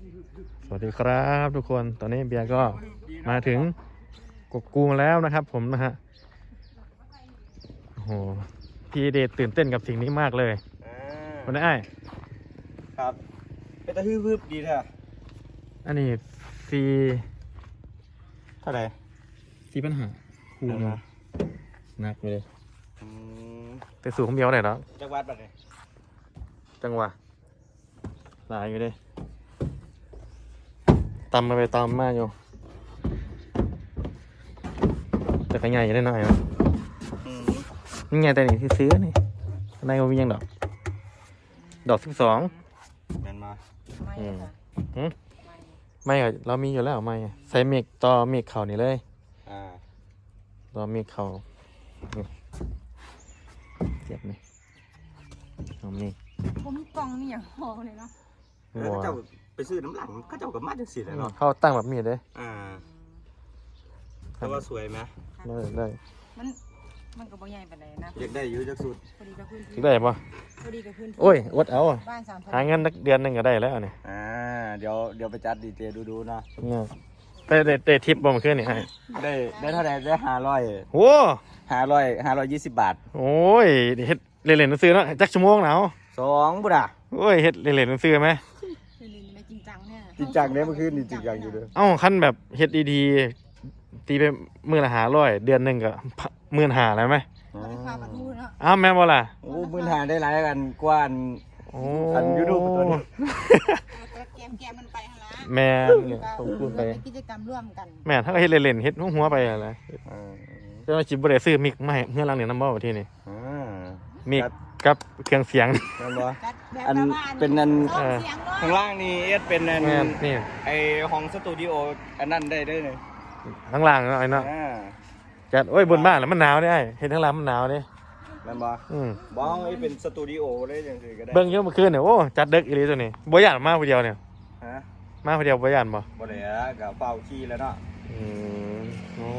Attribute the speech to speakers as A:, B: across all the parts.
A: สวัสดีครับทุกคนตอนนี้เบียร์ก็มาถึงกกกูแล้วนะครับผมนะฮะโอ้โหพี่เดชตื่นเต้นกับสิ่งนี้มากเลยวันนี้ไอ้
B: ครับเป็นตะฮืบดีแท้
A: อันนี้ซี
B: เท่าไหร่
A: ซีปัญหาคูณหนักเลยแต่สูงของเบียร์ไหนแล้ว
B: จังหวัดแบบไหน
A: จังหวะหลายอยู่เลยตำมาไปตำมาอยู่แต่ก็ใหญ่ได้หน่อยนะนี่ไงแต่นี่ที่ซื้อนี่ในก็มียังดอก12
B: แมนมา
A: ไม่เรามีอยู่แล้วไม่ใส่เมกต่อเมกเข่านี่เลยต่อเมกเข่าเจ็บไหมเอาเมก
C: ผมมีกล่องมีอย่างหอเลยเนาะ
B: แล้วเจ้าไปซื้อน้ำหลังก็เจ้ากับมาจังสิเลยเนาะ
A: เขาตั้งแบบมีดเลย
B: แต่ว่าสวยไหม
A: ได้
C: มันก็บ่ใหญ่ปานใดนะ
B: อยากได้อยู่จักสุด
C: พอดีกับพื้นที่
A: ได้ปะ
C: พอดีกับพื้นที่
A: โอ้ยอดเอา
C: บ้าน
A: หาเงินเดือนนึงก็ได้แล้วเนี่ย
B: เดี๋ยวไปจัดดีเจดูนะ
A: ได้ทิปบ่มาขึ้นนี่ให้
B: ได้เท่าไหร่ได้500
A: โอ้
B: 520 บาท
A: โอ้ยเฮ็ดเล่นๆซื้อเนาะจักชั่วโมงหนาว
B: 2บุด่ะ
A: โอ้ยเฮ็ดเล่นๆซื้อไหม
C: จริงจังเนี่ย
B: จริงจังเนี่ยเมื่อคืนนี่จริงจังอยู่เลย
A: ขั้นแบบเฮ็ดดีๆตีไปมื้อละ500เดือนนึงก็15,000แล้วไหมแม่บ่ล่ะ
B: โอ้15,000ได้หลายกันกว่าอัน YouTube ตัวนี้
C: แกมมันไปหั่นล่ะ
A: แม่เนี่ยต้องพูดไป
C: กิจกรรมร่วมกัน
A: แม่ถ้าก็เฮ็ดเล่นๆเฮ็ดหัวไปอะไรจะมาจิบบ่ได้ซื้อมิกมาให้เฮือนหลังนี่นำบ่ว่าที่นี่มิกกับเครื่องเสียง
B: อันเป็นอันข้างล่างนี่เอสเป็นอัน
A: นี่
B: ไอห้องสตูดิโออันนั้นได้เลย
A: ข้างล่างเนาะไอ้เนาะจัดโอ้ยบนบ้านแล้วมันหนาวได้เห็นข้างล่างมันหนาวดิ
B: แม่นบ่บ้องไอ้เป็นสตูดิโอได้จังซี่ก็ได้
A: เบิ่งเยอะเมื่อคืนเนี่ยโอ้จัดดึกอีหลีตัวนี้บ่ย่านมาผู้เดียวเนี่ยมาผู้เดียวบ่ย่านบ่
B: ได้ก็เฝ้าขี้แล้วเนาะ
A: โอ้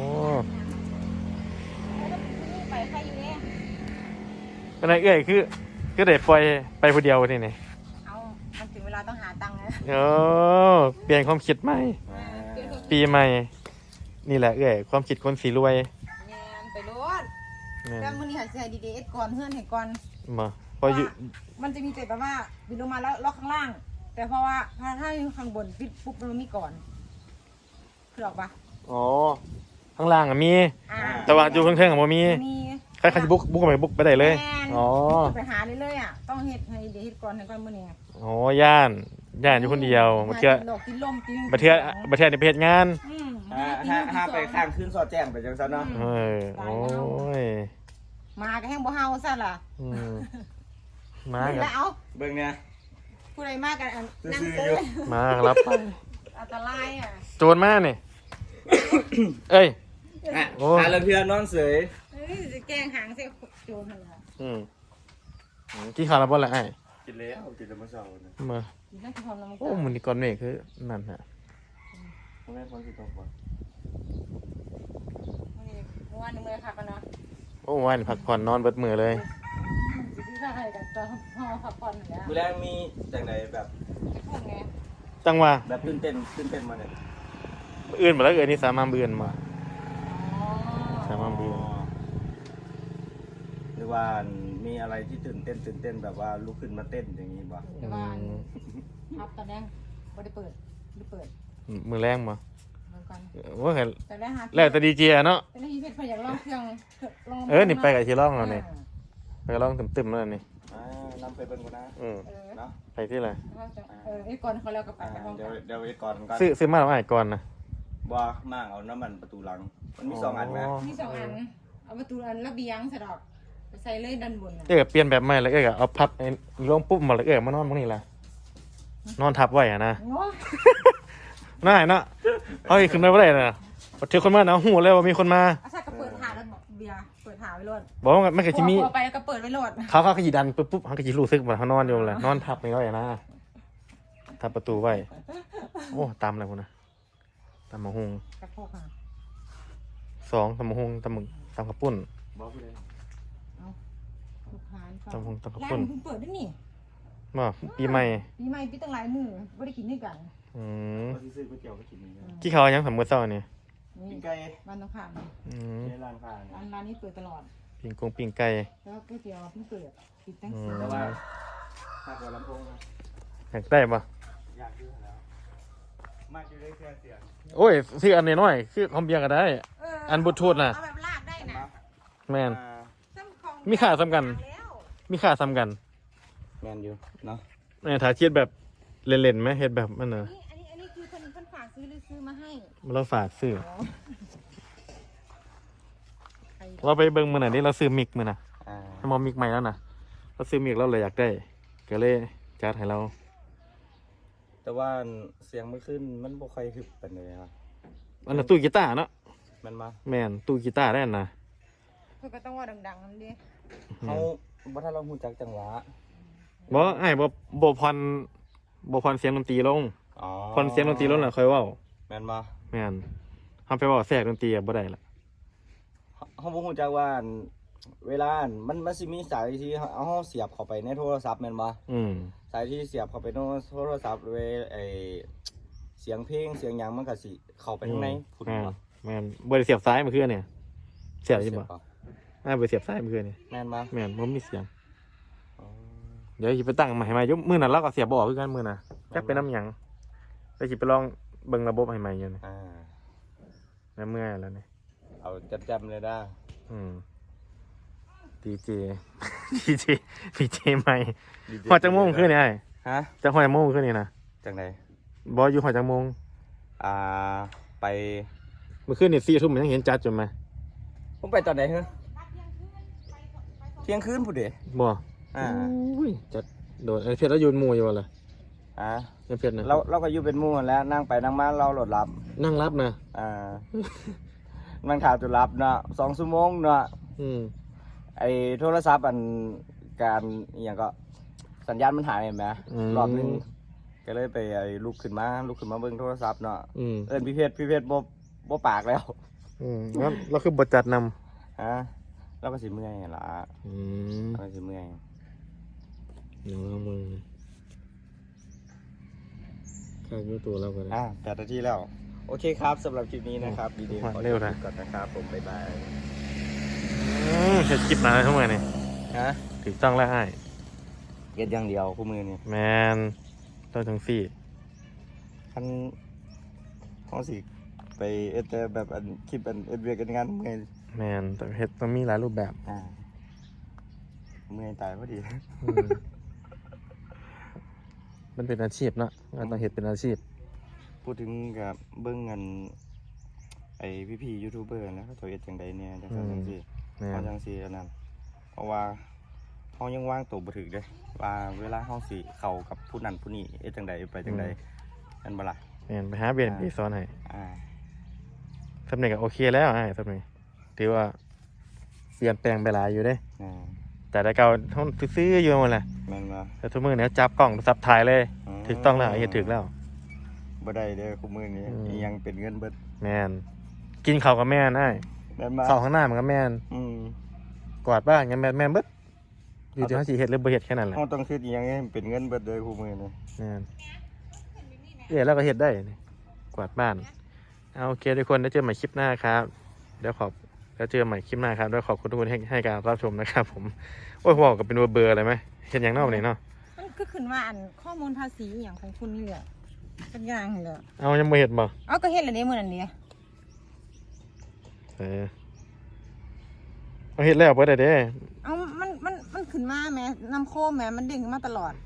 C: ไปใครอยู่เนี่ย
A: เป็นไงเอ้ยคือได้ปล่อยไปผู้เดียวนี่นี่
C: มันถึงเวลาต้องหาตังค์
A: เปลี่ยนความคิดใหม่ปีใหม่นี่แหละเอ้ยความคิดคนสีรวย
C: ไปรถแล้วมื้อนี้หาสิให้ดีๆก่อนเฮือนให้ก่อน
A: มาพออยู่
C: มันจะมีแต่แบบว่าบินลงมาแล้วล็อกข้างล่างแต่เพราะว่าถ้าอยู่ข้างบนปิดปุ๊บมันมีก่อนคือออกปะ
A: อ๋อข้างล่างมีแต่ว่าอยู่ข้างๆบ่มีใครจะบุกไปบุกไปได้เลย
C: อ๋อไปหาเลยต้องเฮ็ดให้ดีเฮ็ดก่อนมื้อนี้
A: อ๋อย่านอยู่คนเดียวบ่เทื่อบ่เทื่อนี่ไปเฮ็ดงาน
B: ถ้าไปข้างขึ้นซอแจ้งไปจังซั่นเนาะ
A: โอ้ย
C: มาก็แห้งบ่เฮาซั่นล่ะ
A: มา
C: แล้ว
B: เบิ่งเนี่ย
C: ผู้ใดมากันนั่งซื้อ
A: มารับไป
C: อันตราย
A: โจรมานี่เอ้ย
B: โอ้เรื่องเทื่อนอนเสย
C: จะแกล้งหางใส่โจรหั่นล่ะ
A: กินข้าวแล้วบ่ล่ะไอ้
B: กินแล้วมื้อเช้านี่
A: มาโอ้มื้อนี้ก่อนเมฆคือนั่นฮะ
B: แม่ฝนสิตกบ่
C: วันนี้มื้อคักกันเนาะ
A: โอ้วันพักผ่อนนอนเบิดมื้อเลย
B: มื้อแรกมีจังได๋แบบ
A: จังว่า
B: แบบตื่นเต้นมาเนี่ย
A: อื่นบ่แล้วนี่สามารถอื่นมาสามารถอื่น
B: หรือว่ามีอะไรที่ตื่นเต้นแบบว่าลุกขึ้นมาเต้นอย่างนี้บ่
C: ครับตอนแรกบ่ได้เปิด
A: มือแรงมาว่าเห็นแล้วแต่ดีเจเนาะ
C: แต่ที่เพชรพยายามลองเครื่อง
A: นี่ไปกับที่ร่องเราเนี่ยไปร่องตึมๆแล้วนี่
B: นำไปเบิ่งก่อนนะ
A: เนาะไปที่ไหน
C: ไอ้ก่อนเขาแล้วก็ไป
B: เดี๋ยวไอ้ก่อน
A: ซื้อมาแล้วไอ้ก่อนนะ
B: บ่มากเอาน้ำมันประตูหลังมันมี2อันไหม
C: มี2อันเอาประตูอันระเบียงสะดอกใส่เลยด้านบน
A: เปลี่ยนแบบใหม่แล้วเอาพับลงปุ๊บมาแล้วมานอนตรงนี้ละนอนทับไว้อะนะน่าเนาะเฮ้ยขึ้นมาไม่ได้นะเจอคนมาเอาหูเลยว่ามีคนมา
C: อาชาก็เปิดหาแล้วบอกเบียร์เปิดหาไว้รถ
A: บอกว่าไม่เคยจะมี
C: ไปแล้วก็เปิดไว้รถ
A: เขาขยีดันปุ๊บเขาขยีรู้สึกเหมือนเขานอนอยู่เลยนอนทับไม่ได้นะทับประตูไว้โอ้ตามอะไรพวกนะตามมะฮุง2ตามมะฮุงตามกระปุ่นตามกระปุ่น
C: เปิดได้นี่
A: บ่ปีใหม่
C: ปีใหม่ปีตั้งหลายมื้อบ่ได้กินด้วยกัน
A: อืม
B: ก็ซื้อก๋วยเตี๋ยวก็กินนี่
A: กี่เขาวยังสำมื้อเช้านี่
C: นี่
B: ปิ้งไก่
C: บ้านตรงข้ามนี่
A: อืม
B: ในร้านค้า
C: ร้านนี้เปิดตลอด
A: ปิ้งไก่
C: แล้วก๋วยเตี๋ยวเพิ่งเปิดปิดตั้ง
A: อื
C: สี่
A: ม
B: แต่ว่าถ้าเกิดลำโพงนะ
A: อยากได้บ่
B: อยากดูแล้วมากอยู่ได้แค่เสียง
A: โอ้ยซื้ออันน้อยๆคือของเบียร์ก็ได้ อันบลูทูธน่ะ
C: เอาแบบลากได้นะ
A: แม่น
C: ซ้ำของ
A: มีค่าซ้ำกัน
C: แล้ว
A: มีค่าซ้ำกัน
B: แมนอยู่เนาะ
A: เนี่ยถ้าเทียบแบบเล่นๆไหมเฮ็ดแบบมันน่ะ
C: อันนี้คือคนฝากซื้อหรือซื้อมาให้
A: เราฝากซื้อ
C: อ๋อใคร
A: เราไปเบิ่งมื้อนั้นนี่เราซื้อมิกมื้อน่ะ
B: อ่า
A: ถ้ามอมิกใหม่แล้วน่ะเราซื้อมิกเราเลยอยากได้ก็เลยจัดให้เรา
B: แต่ว่าเสียงเมื่อคืนมันบ่ค่อยฮึบปานใดครับ
A: อันน่ะตู้กีตาร์เนาะ
B: มันมา
A: แม่นตู้กีตาร์ได้น่ะ
C: เพื่อก็ต้องว่าดังๆนั่นดิ
B: เขาบ่ถ้าเราฮู้จักจังหวะ
A: บ่ไอ้บ่พรเสียงดนตรีลง
B: อ๋อ
A: พรเสียงดนตรีลงน่ะค่อยเว้า
B: แม่นบ่
A: แม่นเฮาไปเว้าแทรกดนตรีอะบ่ได้ละ
B: เขาบ่ฮู้จักว่าเวลามันสิมีสายที่เอาเฮาเสียบเข้าไปในโทรศัพท์แม่นบ่
A: อืม
B: สายที่เสียบเข้าไปในโทรศัพท์เวไอเสียงเพลงเสียงหยังมันก็สิเข้าไปข้างในพุ่น
A: แม่น
B: บ่
A: แม่นบ่ได้เสียบซ้ายเมื่อคืนเนี่ยเสียบอยู่บ่
B: เปล่า
A: อ้ายบ่ได้เสียบซ้ายเมื่อคืนนี่
B: แม่นบ่
A: แม่นบ่มีเสียง
B: อ๋อ
A: เดี๋ยวสิไปตั้งใหม่ให้ใหม่ยกมื้อนั้นเราก็เสียบบ่ออกคือกันมื้อน่ะจักเป็นน้ำหยังไปสิไปลองเบิ่งระบบให้ใหม่อยู่นี่
B: อ่า
A: แล้วเมื่อยแล้วนี่
B: เอาจำเลยด้า
A: อืมดีเจ ดีเจใหม่ฮอดจังโมงคืนนี่อ้าย
B: ฮะ
A: จังฮอดจังโมงคืนนี่นะ
B: จังได
A: บ่อยู่ฮอดจังโมง
B: อ่าไป
A: เมื่อคืนนี่4 ทุ่มยังเห็นจัดอยู่ไหม
B: ผมไปตอนไหนฮะเที่ยงคืนพุ่นเด้
A: บ่
B: อ่า
A: อุ้ยจัดโดนไอ้เพชรแล้วยืนหมู่อยู่บ่ล่ะ
B: อ่า
A: ไอ้เพชรน่ะ
B: เราก็อยู่เป็นหมู่กันแล้วนั่งไปนั่งมาเราโหลดรับ
A: นั่งรับนะ
B: อ่า มันขาดจุดรับเนาะ2 ชั่วโมงเนาะ
A: อืม
B: ไอ้โทรศัพท์อันการอหย่างก็สัญญาณมันหายเห็นไหมรอบนึงก็เลยไปไอ้ลุกขึ้นมาเบิ่งโทรศัพท์เนาะ
A: อืม
B: เอิ้นพี่เพชรบ่ปากแล้ว
A: อืมแล้วเราคือบทจัดนำ
B: ฮะเราก็สิเมื่อยล่ะ
A: อืม
B: เราก็สิเมื่อย
A: เดี๋ยวเอามือข้างอยู่ตัวเราก็ได้
B: 8 นาทีแล้ว โอเคครับสำหรับคลิปนี้นะครับดี
A: โอ้
B: ๆ
A: โห
B: ขอ
A: เร็วนะ
B: จบก่อนนะครับผมบ๊ายบาย
A: เฮ็ดคลิปมาทั้งหมดนี่
B: ฮะ
A: ถูกต้องแล้วอ้าย
B: เก็ดอย่างเดียวคู่มือนี่
A: แมนต้องทั้งสี่
B: คันเฮาสิไปเอ็ดแต่แบบอันคลิปอันเอ็ดเวียกกันงานเมื่อย
A: แมนต้องเฮ็ดต้องมีหลายรูปแบบ
B: เมื่อยตายพอดี
A: อืมมันเป็นอาชีพเนาะงานต้องเฮ็ดเป็นอาชีพ
B: พูดถึงกับเบิ้งเงินไอ้พี่ๆยูทูบเบอร์นะเขาตัวเอ็ดจังใดเนี่ยจังซั่นจังซี่
A: แม
B: เขา
A: น
B: จังซี่อันนั้นเพราะว่าเขายังวางตัวบ่ถึกเด้ว่าเวลาเขาสิเข้ากับผู้นั้นผู้นี้เอ็ดจังใดไปจังใดนั่นบ่ล่ะ
A: แมนไปหาเบียนไปสอนให้
B: อ่า
A: สำเนียงก็โอเคแล้วอ้ายสำเนียงถือว่าเปลี่ยนแปลงไปหลายอยู่เด้
B: อ่า
A: แต่แต่เก่าท่อนซื้อๆอยู่หมดแหละ
B: แม่นบ่
A: แต่ทุกมือเนี่ยจับกล่องซับถ่ายเลยถูกต้องแล้วเฮ็ดถูกแล้ว
B: บ่ได้เด้อคู่มือนี้
A: อืม
B: อีหยังเป็นเงินเบิด
A: แมนกินข้าวกับแม่นอ้าย
B: แม่นบ่
A: ข้าวข้างหน้ามันก็แม่น
B: อืม
A: กวาดบ้านกันแม่นเบิดอยู่ที่เฮาสิเฮ็ดหรือบ่เฮ็ดแค่นั้นแหละ
B: เฮาต้องคิดอีหยังให้มันเป็นเงินเบิดเด้อคู่มือนี้
A: แม่นแล้วก็เฮ็ดได้นี่กวาดบ้านเอาโอเคทุกคนได้เจอใหม่คลิปหน้าครับเดี๋ยวแล้วเจอใหม่คลิปหน้าครับด้วยขอบคุณทุกคนให้การรับชมนะครับผมโอ้ยบอกกับเป็นเบอร์อะไรไหมเห็นอย่างนอกนี่เนาะ
C: มันก็ขึ้นว่าอันข้อมูลภาษีอหย่างของคุณนี่แหละเป็นอย่างเหรอ
A: เอายังไม่เห็นบ่
C: เอาก็เฮ็ดอะไรเนี่ยมื้อนั้นเด้
A: เอาเห็นแล้วเพื่อได้เด้
C: เอามันขึ้นมาแหม่นำโคมแหม่มันเด้งขึ้นมาตลอด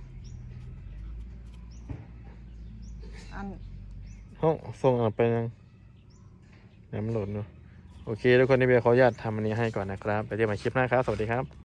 C: อัน
A: ห้องส่งออกไปยังเดี๋ยวมันโหลดเนาะโอเคทุกคนในเบียร์ขออนุญาตทำอันนี้ให้ก่อนนะครับไปเจอกันใหม่คลิปหน้าครับสวัสดีครับ